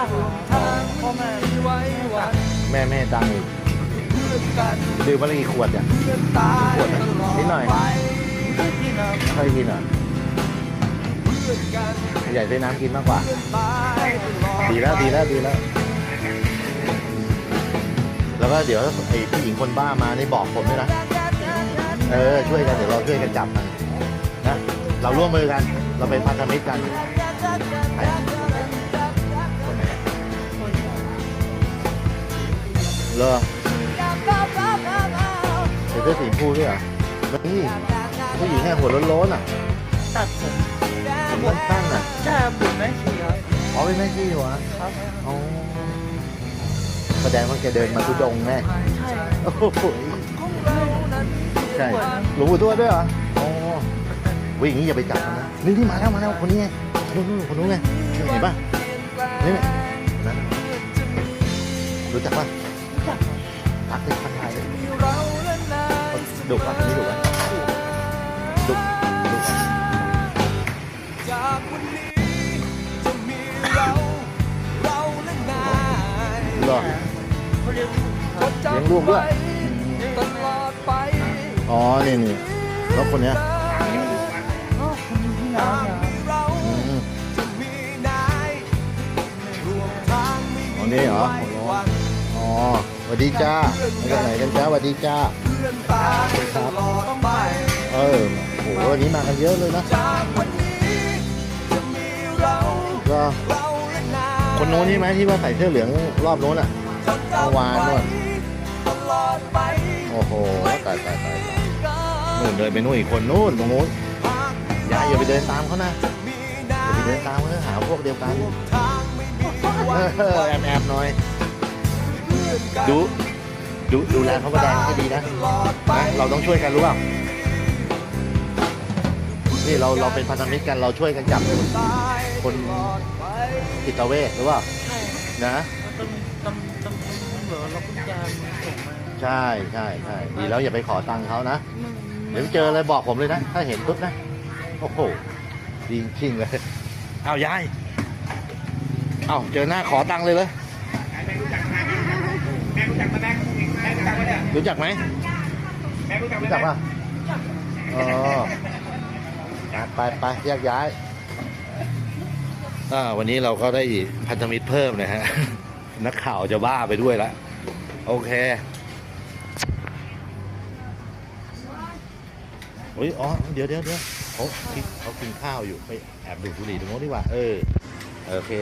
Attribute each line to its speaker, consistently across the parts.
Speaker 1: พ่อแม่
Speaker 2: แม่ไม่ให้ตังค์อีกดื่มมาละกี่ขวดเนี่ยขวดนิดหน่อยค่อยกินอ่ะใหญ่ใช้น้ำกินมากกว่าดีแล้วแล้วก็เดี๋ยวไอ้ผู้หญิงคนบ้ามานี่บอกผมด้วยนะช่วยกันเดี๋ยวเราช่วยกันจับมันนะเราร่วมมือกันเราเป็นพันธมิตรกันเหรอเดี๋ยวเสื้อสีชมพูด้วยเหรอนี่ผู้หญิงแค่หัวโล้นๆอ่ะ
Speaker 1: ตัดผม
Speaker 2: ผมสั้นๆอ่ะ
Speaker 1: ใช่ผมแม่ชีครับ
Speaker 2: อ๋อเป็นแม่ชีเหรอ
Speaker 1: ครับ
Speaker 2: อ๋อแสดงว่าแกเดินมาทุดงแน่
Speaker 1: ใช่
Speaker 2: โอ้โหใช่หลวงปู่ทวดด้วยเหรออ๋อวิ่งอย่างนี้อย่าไปจับมันนะนี่มาแล้วคนนี้ไงคนนู้นไงเห็นป่ะนี่นะรู้จักป่ะรักเป็นคนไทยดุป่ะคนนี้ดุป่ะดุเหรอ
Speaker 1: เขาเรียก
Speaker 2: เลี้ยงลูกด้วยอ๋อนี่แล้วคนเนี้ย
Speaker 1: คนนี้ที่น้ำนะครับ
Speaker 2: อ๋อนี่เหรออ๋อสวัสดีจ้ามาจากไหนกันจ้าสวัสดีจ้าครับโอ้โหวันนี้มากันเยอะเลยนะก็คนโน้นนี่ไหมที่ว่าใส่เสื้อเหลืองรอบโน้นอ่ะเมื่อวานนู่นโอ้โหตายนู่นเดินไปนู่นอีกคนนู่นตรงนู้นอย่าไปเดินตามเขานะอย่าไปเดินตามเขาหาพวกเดียวกันแอบหน่อยดูแลเขาก็แดงให้ดีนะเราต้องช่วยกันรู้เปล่านี่เราเป็นพันธมิตรกันเราช่วยกันจับคนจิตเวชหรือเปล่า
Speaker 1: ใช่
Speaker 2: นะ
Speaker 1: เหลือเราคุณยายส่งมา
Speaker 2: ใช่ดีแล้วอย่าไปขอตังค์เขานะเดี๋ยวเจออะไรบอกผมเลยนะถ้าเห็นปุ๊บนะโอ้โหดีจริงเลยเอายายเอาเจอหน้าขอตังค์เลยเลยรู้จักไหมรู้จักป่ะอ๋อไปแยกย้ายวันนี้เราก็ได้พันธมิตรเพิ่มนะฮะ นักข่าวจะบ้าไปด้วยละโอเคอ๋อเดี๋ยวเขากินข้าวอยู่ไปแอบดูดบุหรี่ตรงโน้นดีกว่าโอเค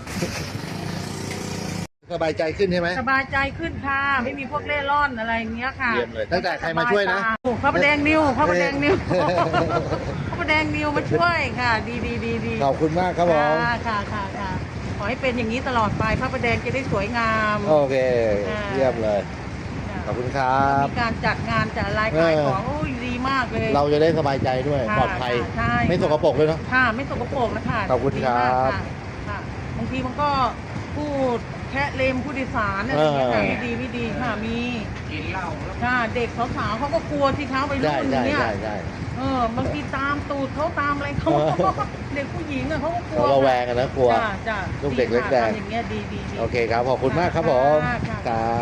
Speaker 2: สบายใจขึ้นใช่ไหม
Speaker 3: สบายใจขึ้นค่ะไม่มีพวกเล่ร่อนอะไรอย่างเงี้ยค่ะ
Speaker 2: เยี่ยมเลยตั้งแต่ใครมาช่วยนะ
Speaker 3: พระประแดงนิวพระประแดงนิวพระประแดงนิวมาช่วยค่ะ ดี
Speaker 2: ขอบคุณมากครับผม
Speaker 3: ค่ะขอให้เป็นอย่างนี้ตลอดไปพระประแดงจะได้สวยงาม
Speaker 2: โอเคเยี่ยมเลยขอบคุณครับ
Speaker 3: มีการจัดงานจัดอะไรขายของโอ้ยดีมากเลย
Speaker 2: เราจะได้สบายใจด้วย
Speaker 3: ค่ะ
Speaker 2: ปลอดภัย
Speaker 3: ใช่
Speaker 2: ไม่สกปรกเลยเนาะ
Speaker 3: ค่ะไม่สกปรกนะคะ
Speaker 2: ขอบคุณครับ
Speaker 3: ดีมากค่ะบางทีมันก็พูดแค่เลมผู้โดยสารอะไรอย่างเงี้ยค่ะไม่ดีค่ะมีกินเหล้าค่ะเด็กสาวๆเขาก็กลัวที่เขาไปรุ่นอย่างเงี้ยบางทีตามตูดเขาตามอะไรเขาเด็กผู้หญิงอ่ะเขาก็กลัว
Speaker 2: เราระแวงกันนะกลัว
Speaker 3: จ้ะ
Speaker 2: ลูกเด็กเล็กแดง
Speaker 3: อย่างเงี้ยดี
Speaker 2: โอเคครับขอบคุณมากครับผม
Speaker 3: ค่ะ
Speaker 2: ครับ